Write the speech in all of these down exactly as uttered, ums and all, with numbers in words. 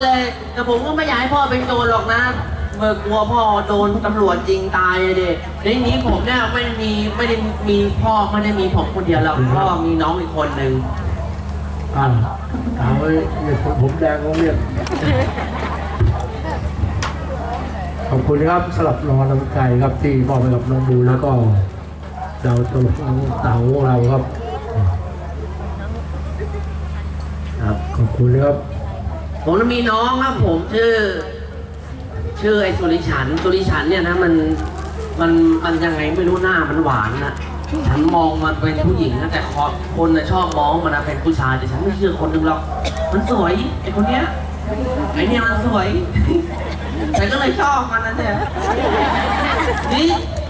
เลยแต่ผมก็ไม่อยากให้พ่อเป็นโจรหรอกนะเมื่อกลัวพ่อโดนตำรวจยิงตายเลยเด็กในนี้ผมเนี่ยไม่ได้มีไม่ได้มีพ่อไม่ได้มีผมคนเดียวหรอกพ่อมีน้องอีกคนหนึ่งอ่าเอาไว้เรียกผมแดงเขาเรียกขอบคุณครับสำหรับรางวัลน้ำใจครับที่มอบให้กับน้องบูแล้วก็ดาวตลกเต๋าของเราครับครับขอบคุณครับผมมีน้องครับผมชื่อชื่อไอ้สุริฉันสุริฉันเนี่ยนะมันมันมันยังไงไม่รู้หน้ามันหวานนะฉันมองมันเป็นผู้หญิงนะแต่คนนะชอบมองมันนะเป็นผู้ชายแต่ฉันไม่เชื่อคนหนึ่งหรอกมันสวยไอ้คนเนี้ยไอ้เนี่ยมันสวยฉันก็เลยชอบมันนะเนี่ยนี่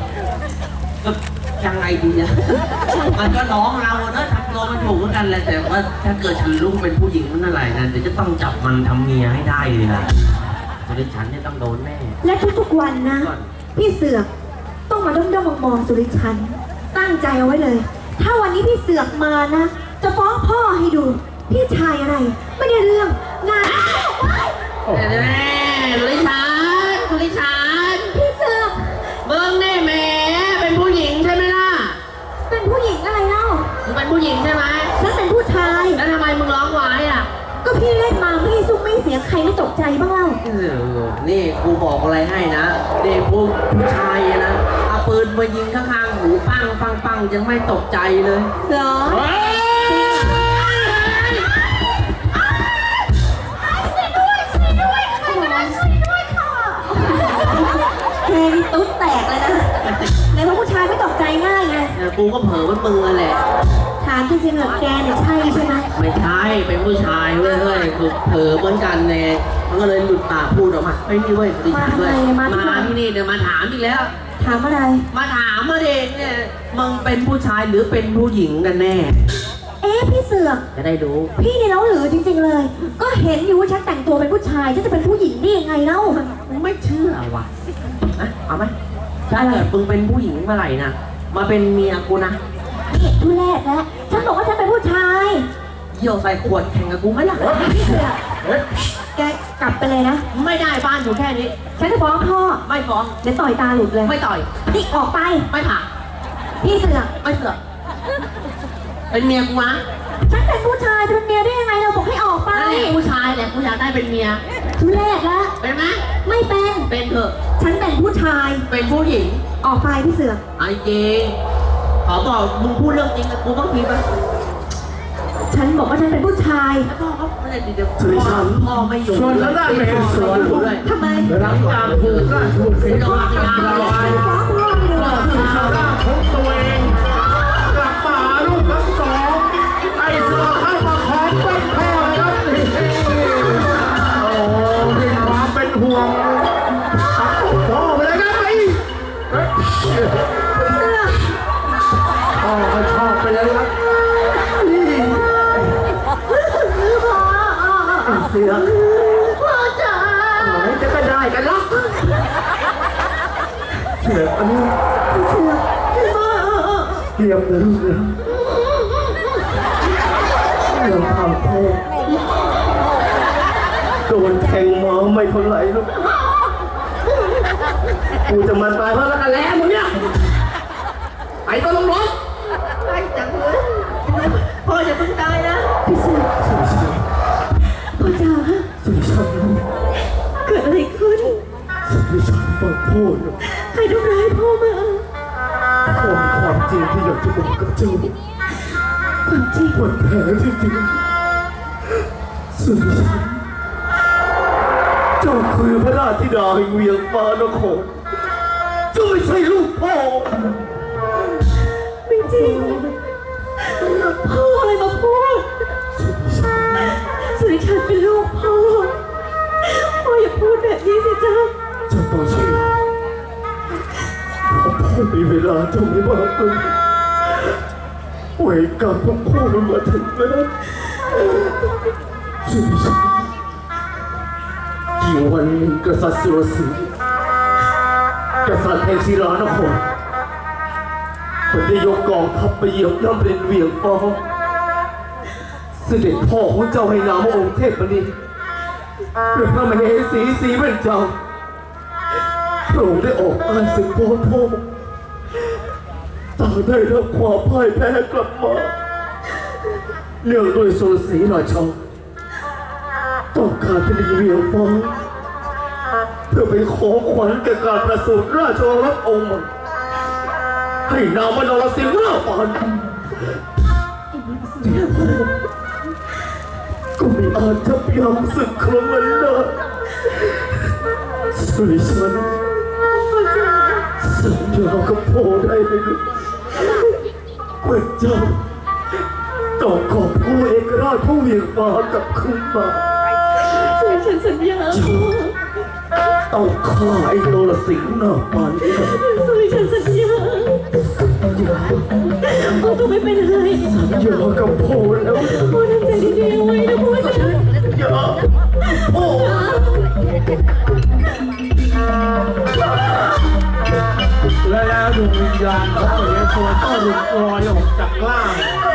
ยังไงดีอะมันก็น้องเราเนอะทำตัวมันถูกเหมือนกันแหละแต่ว่าถ้าเกิดฉันรู้เป็นผู้หญิงมันอะไรนะเดี๋ยวจะต้องจับมันทำเมียให้ได้เลยนะสุริชันเนี่ยต้องโดนแน่และทุกๆวันนะพี่เสือกต้องมาด้อมด้อมมองสุริชันตั้งใจเอาไว้เลย ถ้าวันนี้พี่เสือกมานะจะฟ้องพ่อให้ดูพี่ชายอะไรไม่ได้เรื่องงานแน่สุริชันสุริชันพี่เสือกเบิ้งแน่แม่เป็นผู้หญิงใช่ไหมล่ะเป็นผู้หญิงอะไรเล่ามึงเป็นผู้หญิงใช่ไหมฉันเป็นผู้ชายแล้วทำไมมึงร้องไว้อ่ะก็พี่เล่นมาไม่ซุ่มไม่เสียงใครไม่ตกใจบ้างเล่าเออนี่กูบอกอะไรให้นะเด็กผู้ผู้ชายนะเอาปืนมายิงข้างๆหูปังปังปังยังไม่ตกใจเลยเหรอแค่นี้ตุ๊ดแตกเลยนะในเพราะผู้ชายไม่ตกใจง่ายไงกูก็เผลอว่ามึงนั่นแหละถามจริงๆเหรอแกเนี่ยใช่ใช่ไหมไม่ใช่เป็นผู้ชายเว้ยเฮ้ยคือเผลอเหมือนกันแน่มันก็เลยหลุดปากพูดออกมาไม่มีเว้ยดิฉันด้วยมาที่นี่เดี๋ยวมาถามอีกแล้วถามอะไรมาถามมาเด็กเนี่ยมึงเป็นผู้ชายหรือเป็นผู้หญิงกันแน่เอ๊ะพี่เสือกจะได้ดูพี่นี่เล่าหรือจริงๆเลยก็เห็นอยู่ว่าฉันแต่งตัวเป็นผู้ชายฉันจะเป็นผู้หญิงได้ยังไงเล่ามึงไม่เชื่อว่ะนะเอาไหมถ้าเกิดมึงเป็นผู้หญิงเมื่อไหร่นะมาเป็นเมียกูนะนี่ทุเรศแล้วฉันบอกว่าฉันเป็นผู้ชายเยี่ยวใส่ขวดแข่งกับกูไหมล่ะพี่เสือกแกกลับไปเลยนะไม่ได้บ้านอยู่แค่นี้ฉันจะฟ้องพ่อไม่ฟ้องเดี๋ยวต่อยตาหลุดเลยไม่ต่อยนี่ออกไปไม่ผ่าพี่เสือกไม่เสือกเป็นเมียกูนะฉันเป็นผู้ชายเป็นเมียได้ยังไงเราบอกให้ออกไปนั่นแหละผู้ชายแหละกูอยากได้เป็นเมียทุเรศแล้วเป็นไหมไม่เป็นเป็นเถอะฉันเป็นผู้ชายเป็นผู้หญิงออกไปพี่เสือกไอ้เจขอบอกมึงพูดเรื่องจริงกับกูต้องพีไปฉันบอกว่าฉันเป็นผู้ชายพ่อเขาอะไรเดี๋ยวพ่อพ่อไม่อยู่ส่วนแล้วได้ไม่เห็นสวนทำไมหลังจากถูกราชบุตรสีฟ้าจับเราไว้ก็คือชาวบ้านของตัวเองกลับมาลูกทั้งสองไอ้เสือเข้ามาขอเป็นพ่อครับนี่โอ้มีความเป็นห่วงพ่อไปเลยครับไอ้พ่อก็ชอบไปเลยครับนี่เสือพ่อจ๋าไหนจะก็ได้กันล็อกเสืออันนี้เสือเตรียมเลยลูกเลยเรื่องทำโทษโดนแทงมาไม่เท่าไหร่ลูกกูจะมาตายเพราะรักกันแล้วมึงเนี่ยไอ้ก็ต้องร้องไปจังเลยพ่ออย่าเพิ่งตายนะพี่เสือพ่อจ๋าสุริชันเกิดอะไรขึ้นสุริชันฟังพูดใครทำร้ายพ่อมาพ่อมีความจริงที่อยากจะบอกกับเจ้าความจริงวันแท้จริงๆสุริชันเจ้าคือพระราชธิดาแห่งเวียงฟ้านครเจ้าไม่ใช่ลูกพ่อไม่จริงพ่ออะไรมาพูดสุริชันเป็นลูกพ่อพ่ออย่าพูดแบบนี้สิจ๊ะเจ้าต้องเชื่อพ่อมีเวลาเจ้าไม่มากเลยเวรกรรมของพ่อมันมาถึงแล้วสุริชันกี่วันหนึ่งกษัตริย์สุรศรีกษัตริย์แห่งศิลานครมันได้ยกกองทัพไปเหยียบย่ำเป็นเวียงฟ้าเสด็จพ่อของเจ้าให้นามว่าองค์เทพมณีหรือพระมเหสีสีเป็นเจ้าพระองค์ได้ออกอาศึกพ่อพ่อต่างได้รับความพ่ายแพ้กลับมาเนื่องด้วยสุรศรีราชาต้องการที่จะเวียงฟ้าเพื่อไปขอขวัญแก่การประสูติราชโอรสองค์ใหม่ให้นามว่านรสิงห์ราปานก็ไม่อาจจะยั้งศึกครั้งนั้นได้สุริชันสัญญากับพ่อได้ไหมลูกว่าเจ้าต้องขอบผู้เอกราชผู้เวียงฟ้ากลับคืนมาฉันสัญญาต้องฆ่าไอ้นรสิงห์หน้าปานนี้สุริชันสัญญาพ่อต้องไม่เป็นไรสัญญากับพ่อแล้วพ่อทำใจดีๆไว้นะพ่อจ๋าอย่าพ่อและแล้วดวงวิญญาณของพระเยซูก็หลุดลอยออกจากร่าง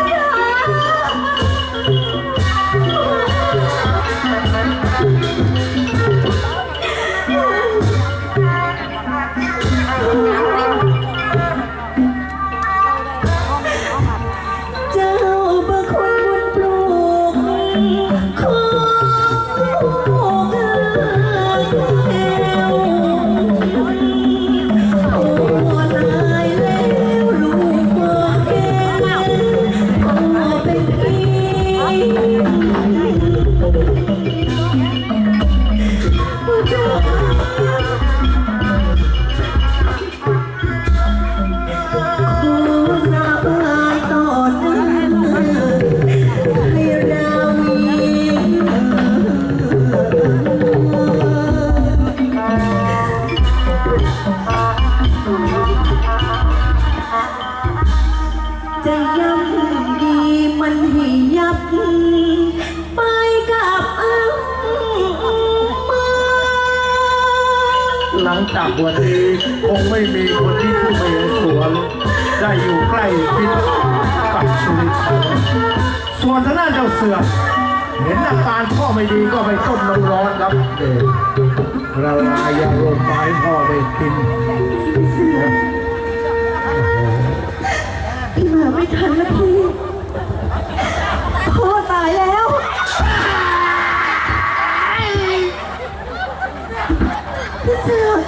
เจ้าประคุณบุญปลูกของเอ๋วโอ้ตายแล้วลูกพ่อแก่พ่อเป็นพี่พ่อจ๋าจะย่ำดีมันให้ยับไปกับอังมาหลังจากวันนี้คงไม่มีคนที่ผู้เมียสวนได้อยู่ใกล้ชิดกับสุริชันส่วนทางด้านเจ้าเสือเห็นอาการพ่อไม่ดีก็ไปต้มน้ำร้อนครับเด็กเราลายาลมไม้พ่อได้กินพี่มาไม่ทันแล้วพี่พ่อตายแล้วพี่เสือ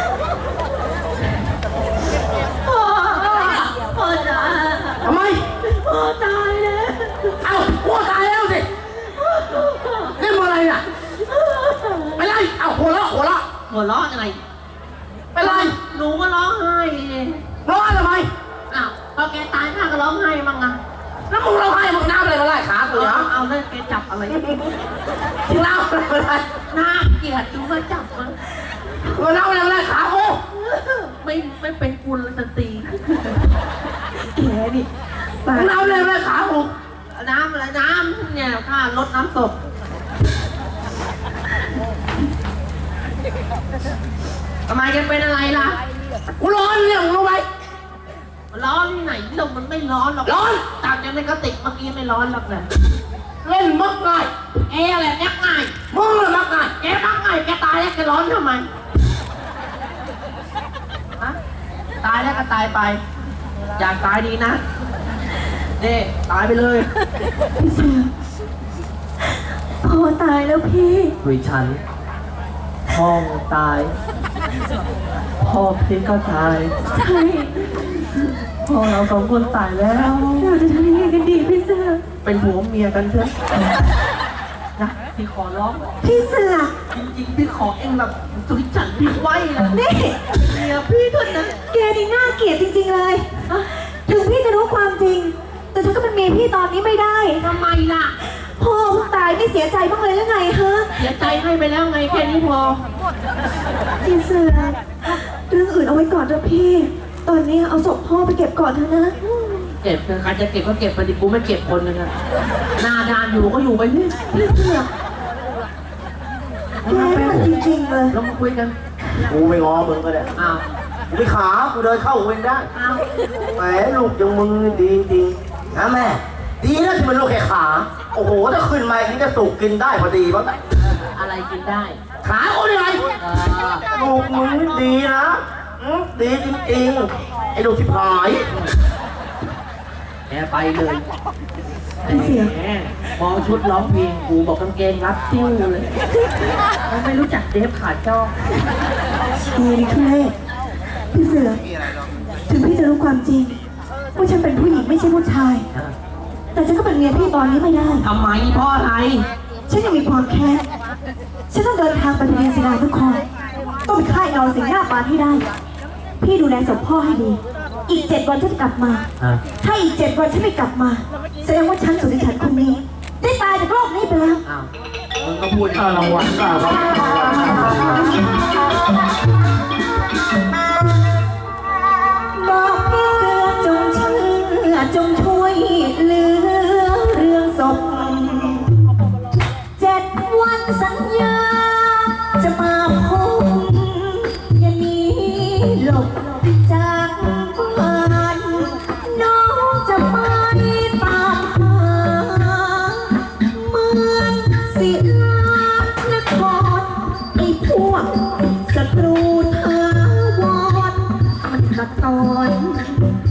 พ่อพ่อจ๋าทำไมพ่อตายแล้วเอ้าพ่อตายแล้วสิเล่นอะไรน่ะเป็นไรเอ้าหัวเราะหัวเราะหัวเราะอะไรเป็นไรหนูก็ร้องไห้เลยร้องทำไมอ้าวพอแกตายข้าก็ร้องไห้บ้างอ่ะแล้วมึงร้องไห้มึงน้ำอะไรมาไล่ขากูเอาเหรอเอาเลยแกจับอะไรมึงน้ำอะไรมาไล่น่าเกลียดดูว่าจับมันมึงน้ำอะไรมาไล่ขากูไม่ไม่เป็นกุลสตรีแกนี่มึงน้ำอะไรมาไล่ขากูน้ำอะไรน้ำเนี่ยข้าลดน้ำศพทำไมแกเป็นอะไรล่ะกูร้อนเนี่ยมึงรู้ไหมร้อนที่ไหนลมมันไม่ร้อนหรอกร้อนตากจากในกระติกเมื่อกี้ไม่ร้อนหรอกเลยเล่นมักง่ายเอ๊ะอะไรแม็กง่ายมึงเลยมักง่ายแกมักง่ายแกตายแล้วแกร้อนทำไมฮะตายแล้วก็ตายไป อยากตายดีนะนี่ตายไปเลยพี่เสือพ่อตายแล้วพี่วิฉันพ่อตาย พ่อพี่ก็ตายใช่พ่อเราสองคนตายแล้วเราจะทำยังไงกันดีพี่เสือเป็นผัวเมียกันเถอะนะพี่ขอร้องพี่เสือจริงๆพี่ขอเองแบบสุริฉันพี่ไว้นะนี่เมียพี่เถอะนะแกนี่น่าเกลียดจริงๆเลย ถึงพี่จะรู้ความจริง แต่ฉันก็เป็นเมียพี่ตอนนี้ไม่ได้ทำไมล่ะพ่อเพิ่งตายไม่เสียใจบ้างเลยหรือไงฮะเสียใจให้ไปแล้วไงแค่นี้พอพี่เสือเรื่องอื่นเอาไว้ก่อนเถอะพี่ ตอนนี้เอาศพพ่อไปเก็บก่อนเถอะนะเก็บเถอะใครจะเก็บก็เก็บไปดิกูไม่เก็บคนนึงอะหน้าด้านอยู่ก็อยู่ไปนี่พี่เสือแกมันจริงๆเลยเรามาคุยกันกูไม่งอมึงก็ได้อ้าวกูไม่ขากูเดินเข้าเองได้อ้าวแหมลูกจังมึงดีจริงนะแม่ ดีนะที่มันลูกแค่ขา โอ้โหถ้าขึ้นมาอย่างนี้จะสุกกินได้พอดีมั้งอะไรอะไรกินได้ขาเขาเนี่ยไรเออลูกมึงดีนะอืมดีจริงๆไอ้ลูกชิบหายแกไปเลยพี่เสือกแหมมองชุดร้องเพลงกูบอกกางเกงรัดติ้วเลยเขาไม่รู้จักเดฟขาดจ้อดีนี่ทุเรศพี่เสือกถึงพี่จะรู้ความจริงว่าฉันเป็นผู้หญิงไม่ใช่ผู้ชาย แต่ฉันก็เป็นเมียพี่ตอนนี้ไม่ได้ทำไมเพ่ออะไรฉันยังมีความแค้น ฉันต้องเดินทางไปดูเรียนศิลาทุกคนต้องไปค่ายนอนสิงหน้าปานให้ได้ พี่ดูแลศพพ่อให้ดี อีกเจ็ดวันฉันจะกลับมาอ่ะถ้าอีกเจ็ดวันฉันไม่กลับมา แสดงว่าฉันสุริฉันคนนี้ ได้ตายจากโลกนี้ไปแล้วอ้าวมึงก็พูดอย่างอ่านี้รางวัลก็ครับบอกพี่เสือจงเชื่อจงช่วยเหลือเรื่องศพเจ็ดวันสัญญา จะมาพบอย่าหนีหลบจากบ้านน้องจะไปตามหาเมืองศิลานครไอ้พวกศัตรูทาวรมันขัดตอน